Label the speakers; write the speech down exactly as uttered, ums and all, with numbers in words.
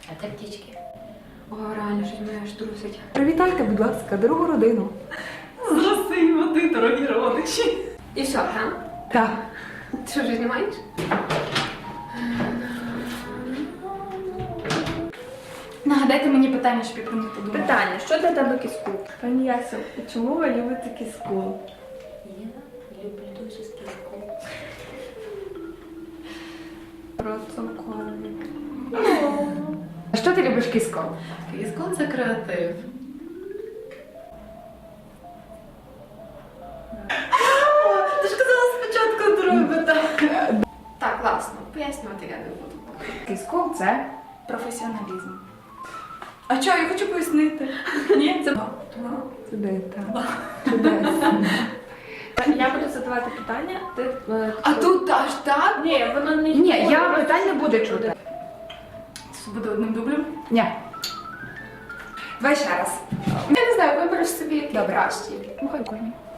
Speaker 1: А це птічки.
Speaker 2: О, реально, щось мене аж трусить. Привітайте, будь ласка, дорогу родину.
Speaker 1: З роси й води, дорогі родичі. І все, так?
Speaker 2: Так.
Speaker 1: Ти що, вже знімаєш?
Speaker 3: Нагадайте мені питання, щоб я про них подумала.
Speaker 2: Питання, що для тебе кіску? Пані Ясю, чому ви любите кіску?
Speaker 1: Я люблю дуже скільки.
Speaker 2: Процункові. А що ти любиш кіску?
Speaker 1: Кіскон це креатив. Ти ж казала спочатку друге питання. Так, класно. Пояснювати я не буду.
Speaker 2: Кіску це
Speaker 3: Професіоналізм. А що, я хочу пояснити. Ні, це...
Speaker 2: чудеса. Чудесно. Я буду задавати питання, ти... е,
Speaker 3: А тут аж так?
Speaker 2: Ні, воно не... Ні, я питань не буду чути.
Speaker 3: Це буде одним дублем.
Speaker 2: Ні. Давай ще раз.
Speaker 1: Я не знаю, вибереш собі який
Speaker 2: Добре.
Speaker 1: кращий.
Speaker 2: Ну, хай кожен.